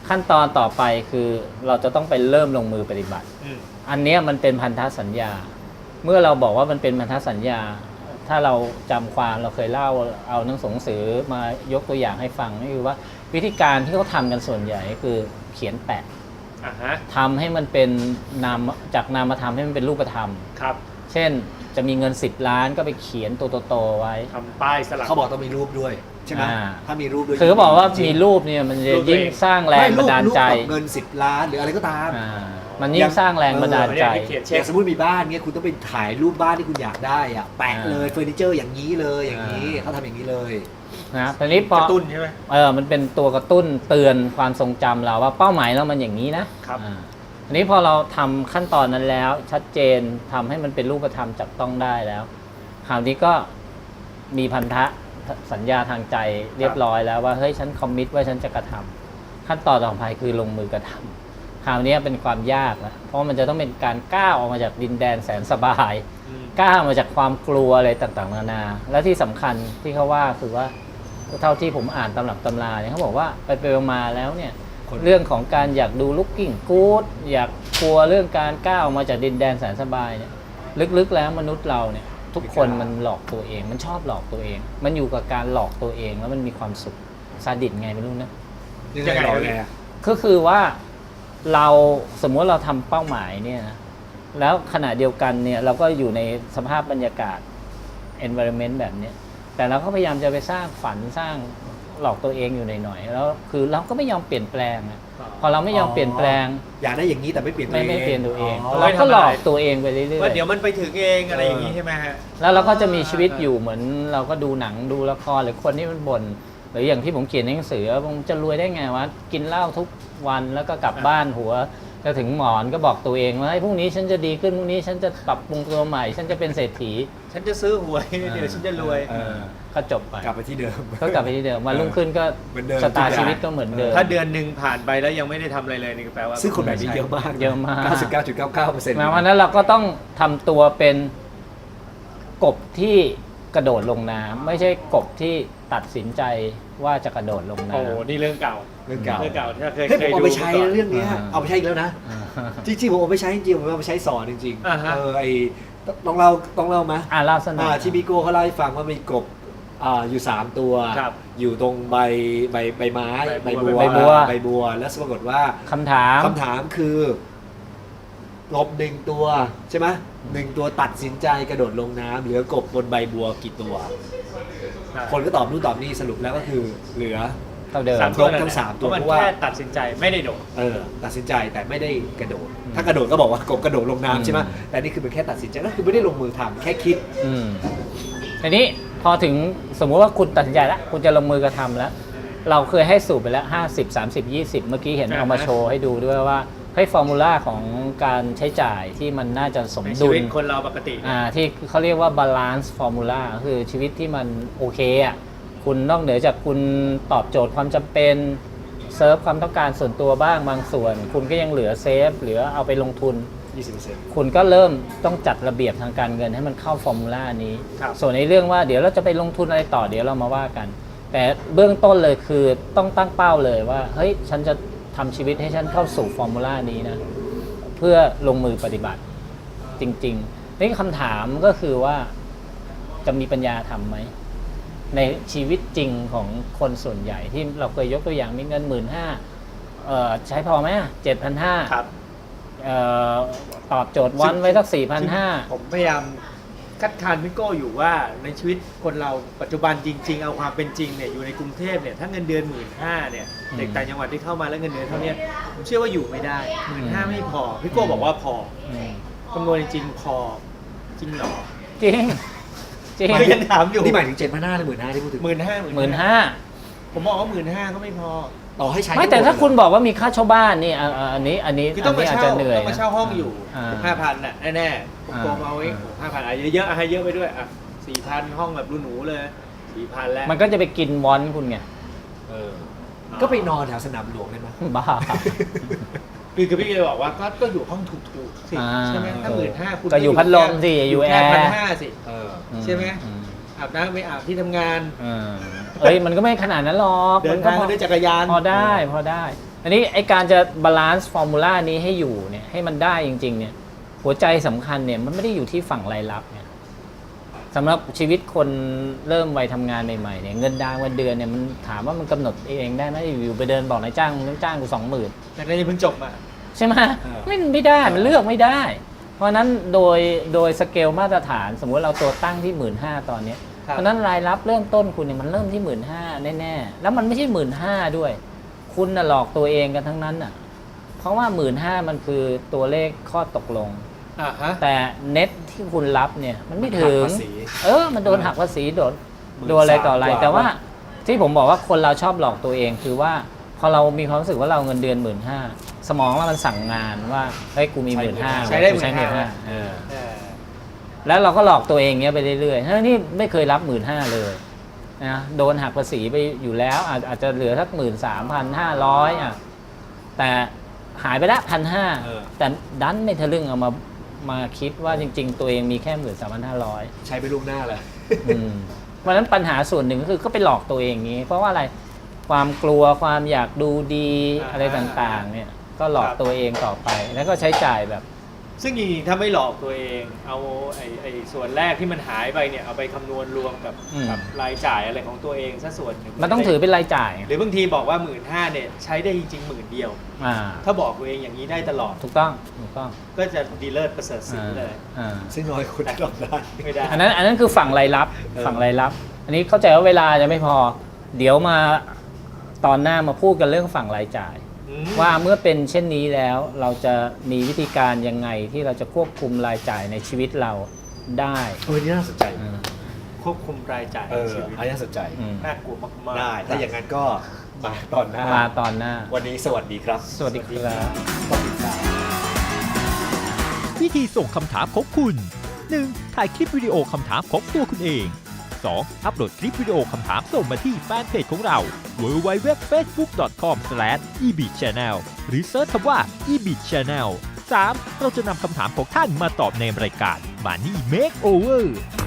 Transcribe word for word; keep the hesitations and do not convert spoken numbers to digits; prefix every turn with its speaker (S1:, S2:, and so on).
S1: ขั้นตอนต่อไปคือเราจะต้องไปเริ่มลงมือปฏิบัติอันนี้มันเป็นพันธสัญญาเมื่อเราบอกว่ามันเป็นพันธสัญญาถ้าเราจำความเราเคยเล่าเอาหนังสือมายกตัวอย่างให้ฟังก็คือว่าวิธีการที่เขาทำกันส่วนใหญ่คือเขียนแปะทำให้มันเป็นนามจากนามธรรมให้มันเป็นรูปธรรม
S2: ครับ
S1: เช่นจะมีเงินสิบล้านก็ไปเขียนตัวโตๆไว้
S2: ทำป้ายสลัก
S3: เขาบอกต้องมีรูปด้วยใช่ไหมถ้ามีรูปด้วย
S1: คือเขาบอกว่ามีรูปเนี่ยมันจะยิ่งสร้างแรงบันดาลใจ
S3: เงินสิบล้านหรืออะไรก็ตาม
S1: มันยิ่งสร้างแรงบันดาลใจ
S3: อย่างสมมติมีบ้านเงี้ยคุณต้องไปถ่ายรูปบ้านที่คุณอยากได้อะแปะเลยเฟอร์นิเจอร์อย่างนี้เลยอย่างนี้เขาทำอย่างนี้เลย
S1: นะตอนนี้พอก
S2: ระตุ้นใช่ไหม
S1: เออมันเป็นตัวกระตุ้นเตือนความทรงจำเราว่าเป้าหมายเรามันอย่างนี้นะครับอันนี้พอเราทำขั้นตอนนั้นแล้วชัดเจนทำให้มันเป็นรูปธรรมจับต้องได้แล้วคราวนี้ก็มีพันธะสัญญาทางใจเรียบร้อยแล้วว่าเฮ้ยฉันคอมมิตว่าฉันจะกระทำขั้นตอนต่อไปคือลงมือกระทำคราวนี้เป็นความยากนะเพราะมันจะต้องเป็นการก้าวออกมาจากดินแดนแสนสบายก้าวมาจากความกลัวอะไรต่างๆนานาและที่สำคัญที่เขาว่าคือว่าเท่าที่ผมอ่านตำรับตำราเนี่ยเขาบอกว่าไปไปมาแล้วเนี่ยเรื่องของการอยากดูลุกกิ้งกู๊ดอยากกลัวเรื่องการก้าวออกมาจากดินแดนแสนสบายเนี่ยลึกๆแล้วมนุษย์เราเนี่ยทุกคนมันหลอกตัวเองมันชอบหลอกตัวเองมันอยู่กับการหลอกตัวเองแล้วมันมีความสุขซาดิสไงไม่รู้นะ
S3: ยังไงหลอกไง
S1: ก็คือว่าเราสมมติเราทำเป้าหมายเนี่ยนะแล้วขณะเดียวกันเนี่ยเราก็อยู่ในสภาพบรรยากาศ environment แบบนี้แต่เราก็พยายามจะไปสร้างฝันสร้างหลอกตัวเองอยู่หน่อยๆแล้วคือเราก็ไม่ยอมเปลี่ยนแปลงพอเราไม่ยอมเปลี่ยนแปลง
S3: อยากได้อย่างนี้แต่ไม่เปลี่ยนตัวเอง
S1: ไม่เปลี่ยนตัวเองเราก็หลอกตัวเองไปเรื่อยๆ
S2: ว่าเดี๋ยวมันไปถึงเองอะไรอย่างนี้ใช่ไหมฮะ
S1: แล้วเราก็จะมีชีวิตอยู่เหมือนเราก็ดูหนังดูละครหรือคนที่มันบ่นหรืออย่างที่ผมเขียนในหนังสือผมจะรวยได้ไงวะกินเหล้าทุกวันแล้วก็กลับบ้านหัวจะถึงหมอนก็บอกตัวเองว่าพรุ่งนี้ฉันจะดีขึ้นพรุ่งนี้ฉันจะปรับปรุงตัวใหม่ฉันจะเป็นเศรษฐี
S2: ฉันจะซื้อหวยเดี๋ยวฉันจะรวย
S1: ก็จบไป
S3: กลับไปที่เดิม
S1: ก็กลับไปที่เดิมวันรุ่งขึ้นก็ชะตาชีวิตก็เหมือนเดิม
S2: ถ้าเดือนหนึ่งผ่านไปแล้วยังไม่ได้ทำอะไรเลยนี่แปลว่า
S3: ซึ่งคนแบบนี้เยอะมาก
S1: เยอะมาก
S3: เก้าสิบเก้าจุดเก้าเก้าเปอร์เซ็นต์
S1: วันนั้นเราก็ต้องทำตัวเป็นกบที่กระโดดลงน้ำไม่ใช่กบที่ตัดสินใจว่าจะกระโดดลงน้ำ
S2: โอ้นี่เรื่องเก่า
S3: เรื่องเก่า
S2: เรื่องเก่าที่เคย
S3: เคยดูเอาไปใช้เรื่องนี้เอาไปใช้อีกแล้วนะจริงๆผมเอาไปใช้จริงๆผมเอาไปใช้สอนจริงๆเออไอต้องเล่าต้องเล่าไหม
S1: อ่าเล่าสนุก
S3: ที่บิโก้เขาเล่าให้ฟังว่ามีกบอยู่สามตัวอยู่ตรงใบใบใบไม้ใบบัวใบบัวแล้วปรากฏว่า
S1: คำถาม
S3: คำถามคือกบหนึ่งตัวใช่ไหมหนึ่งตัวตัดสินใจกระโดดลงน้ำเหลือกบบนใบบัวกี่ตัวคนก็ตอบนู่นตอบนี่สรุปแล้วก็คือเหลือ
S1: เท่าเดิม
S3: ครบทั้งสามตัว
S2: เพราะว่าแค่ตัดสินใจไม่ได้โดด
S3: เออตัดสินใจแต่ไม่ได้กระโดดถ้ากระโดดก็บอกว่ากบกระโดดลงน้ำใช่ไหมแต่นี่คือเป็นแค่ตัดสินใจก็คือไม่ได้ลงมือทำแค่คิด
S1: ทีนี้พอถึงสมมุติว่าคุณตัดสินใจแล้วคุณจะลงมือกระทำแล้วเราเคยให้สูตรไปแล้วห้าสิบ สามสิบ ยี่สิบเมื่อกี้เห็นเอามาโชว์ให้ดูด้วยว่าให้ฟอร์มูลาของการใช้จ่ายที่มันน่าจะสมดุล
S2: ชีวิตคนเราปกติ
S1: อ่าที่เขาเรียกว่าบาลานซ์ฟอร์มูลาคือชีวิตที่มันโอเคอ่ะคุณนอกเหนือจากคุณตอบโจทย์ความจำเป็นเซิร์ฟความต้องการส่วนตัวบ้างบางส่วนคุณก็ยังเหลือเซฟเหลือเอาไปลงทุน
S3: ยี่สิบเปอร์เซ็นต์
S1: คุณก็เริ่มต้องจัดระเบียบทางการเงินให้มันเข้าฟอร์มูลานี้ส่วนในเรื่องว่าเดี๋ยวเราจะไปลงทุนอะไรต่อเดี๋ยวเรามาว่ากันแต่เบื้องต้นเลยคือต้องตั้งเป้าเลยว่าเฮ้ยฉันจะทำชีวิตให้ฉันเข้าสู่ฟอร์มูลานี้นะเพื่อลงมือปฏิบัติจริงๆนี่คำถามก็คือว่าจะมีปัญญาทำไหมในชีวิตจริงของคนส่วนใหญ่ที่เราเคยยกตัวอย่างมีเงินหมื่นห้าใช้พอไหมเจ็ดพันห้าตอบโจทย์วันไว้สักสี่พันห้า
S2: ผมพยายามคัดค้านพี่โก้อยู่ว่าในชีวิตคนเราปัจจุบันจริงๆเอาความเป็นจริงเนี่ยอยู่ในกรุงเทพเนี่ยถ้าเงินเดือนหมื่นห้าเนี่ยเด็กต่างจังหวัดที่เข้ามาแล้วเงินเดือนเท่านี้ผมเชื่อว่าอยู่ไม่ได้หมื่นห้าไม่พอพี่โก้บอกว่าพอคำนวณจริงพอจริงหรอ
S1: จริงจริง
S2: ยังถามอยู่
S3: นี่หมายถึงเจ็ดพันห้าหรือหมื่นห้าที่พูดถึง
S2: หมื่นห้า
S1: หมื่นห้า
S2: ผมบอกว่าหมื่นห้าก็ไม่พอ
S3: ต่อให้ใช้
S1: ไม่แต่ถ้าคุณบอกว่ามีค่าเช่าบ้านนี่อันนี้อันนี้
S2: ต้องมาเช่า
S1: ต้อง
S2: มาเช่าห้องอยู่ห้าพันน่ะแน่ๆผมกองเอาไว้ห้าพันอ่ะเยอะๆให้เยอะไปด้วยอ่ะสี่พันห้องแบบหรูๆเลยสี่พันแล้ว
S1: มันก็จะไปกินวอนคุณไง
S3: เออก็ไปนอนแถวสนามหลวงได้ไหม
S1: บ้า
S2: คือคือพี่เลยบอกว่าก็ก็อยู่ห้องถูกๆสิใช่ไหมถ้าหมื่นห้าคุณ
S1: ก็อยู่พัดลมสิอยู่แอร์
S2: พันห้าสิใช่ไหมอาบน้ำไม่อาบที่ทำงาน
S1: เอ้ยมันก็ไม่ขนาดนั้นหรอก
S2: เดินทางด้วยจักรยาน
S1: พอได้พอได้ทอันนี้ไอการจะบาลานซ์ฟอร์มูลานี้ให้อยู่เนี่ยให้มันได้จริงๆเนี่ยหัวใจสำคัญเนี่ยมันไม่ได้อยู่ที่ฝั่งรายรับเนี่ยสำหรับชีวิตคนเริ่มวัยทำงานใหม่ๆเนี่ยเงินดาวเงินเดือนเนี่ยมันถามว่ามันกำหนดเองได้ไหมอยู่ไปเดินบอกนายจ้างนายจ้างกูสองหมื่น
S2: แต่ในเพิ่งจบมา
S1: ใช่ไหม
S3: เออ
S1: ไม่ไม่ได้มันเลือกไม่ได้ เพราะฉะนั้นโดยโดยสเกลมาตรฐานสมมุติเราตัวตั้งที่หมื่นห้าตอนเนี้ย
S2: ครับ
S1: เพราะฉะนั้นรายรับเริ่มต้นคุณเนี่ยมันเริ่มที่หมื่นห้าแน่ๆแล้วมันไม่ใช่หมื่นห้าด้วย คุณน่ะหลอกตัวเองกันทั้งนั้นน่ะเพราะว่าหมื่นห้ามันคือตัวเลขข้อตกลง
S2: อ่าฮะ
S1: แต่เน็ตที่คุณรับเนี่ยมันไม่ถึง
S3: หักภาษี
S1: เออมันโดนหักภาษีโดน
S3: หมื่น
S1: โดนอะไรต่ออะไร
S3: สามกว่า
S1: แต่ว่าที่ผมบอกว่าคนเราชอบหลอกตัวเองคือว่าพอเรามีความรู้สึกว่าเราเงินเดือนหมื่นห้าสมองเรามันสั่งงานว่าเฮ้ยกูมีหมื่นห้า
S2: ใช้ได้
S1: ใช้หมื่นห้า
S2: 15,000
S1: เออ
S2: เออ
S1: แล้วเราก็หลอกตัวเองเงี้ยไปเรื่อยๆทั้งที่ไม่เคยรับหมื่นห้าเลยนะโดนหักภาษีไปอยู่แล้วอาจอาจจะเหลือสักหมื่นสามพันห้าร้อยอ่ะแต่หายไปละพันห้า
S3: เออ
S1: แต่ดันไม่ทะลึ่งเอามามาคิดว่าจริง ๆ ตัวเองมีแค่หมื่นสามพันห้าร้อย
S3: ใช้ไปลูกหน้าเลย
S1: เพราะฉะนั้นปัญหาส่วนหนึ่งก็คือก็ไปหลอกตัวเองอย่างนี้ เพราะว่าอะไรความกลัวความอยากดูดี
S2: อ่า
S1: อะไรต่างๆเนี่ยก็หลอก
S2: ครับ
S1: ตัวเองต่อไปแล้วก็ใช้จ่ายแบบ
S2: ซึ่งจริงๆถ้าไม่หลอกตัวเอง เอาไอ้ไอ้ส่วนแรกที่มันหายไปเนี่ยเอาไปคำนวณรวมกับ
S1: อืม
S2: กับรายจ่ายอะไรของตัวเองซะส่วนหนึ่ง
S1: มันต้องถือเป็นรายจ่าย
S2: หรือบางทีบอกว่าหมื่นห้าเนี่ยใช้ได้จริงๆหมื่นเดียว
S1: อ่า
S2: ถ้าบอกตัวเองอย่างนี้ได้ตลอด
S1: ถูกต้องถูกต้อง
S2: ก็จะดีเลิศประเสริฐศรี
S1: อ่า
S2: เลย
S1: อ่า
S3: ซึ่งน้อยคนทำได้
S2: ไม่ได้
S1: อันนั้นอันนั้นคือฝั่งรายรับ
S3: เออ
S1: ฝั่งรายรับ อันนี้เข้าใจว่าเวลาจะไม่พอ เดี๋ยวมาตอนหน้ามาพูดกันเรื่องฝั่งรายจ่าย
S2: อืม
S1: ว่าเมื่อเป็นเช่นนี้แล้วเราจะมีวิธีการยังไงที่เราจะควบคุมรายจ่ายในชีวิตเราได้
S3: เออนี่น่าสนใจ
S1: อืม
S2: ควบคุมรายจ่าย
S3: เอ
S2: ใน
S3: อ
S2: ชีวิต
S3: อันนี้น่าสนใจ
S1: อืม
S2: น่ากลัวมากๆ
S3: ได้ ถ้าอย่างนั้นก็มาตอนหน้า
S1: มาตอนหน้า
S3: วันนี้สวัสดีครับ
S1: สวัสดีครับ
S3: ต้องติดตาม
S4: วิธีส่งคำถามของคุณ หนึ่ง ถ่ายคลิปวิดีโอคำถามของตัวคุณเอง สอง อัปโหลดคลิปวิดีโอคำถามส่งมาที่แฟนเพจของเรา ดับเบิลยู ดับเบิลยู ดับเบิลยู ดอท เฟซบุ๊ก ดอท คอม สแลช อี บี ชาแนล หรือเซิร์ชคำว่า อี บี ชาแนล สาม เราจะนำคำถามของท่านมาตอบในรายการ Money Makeover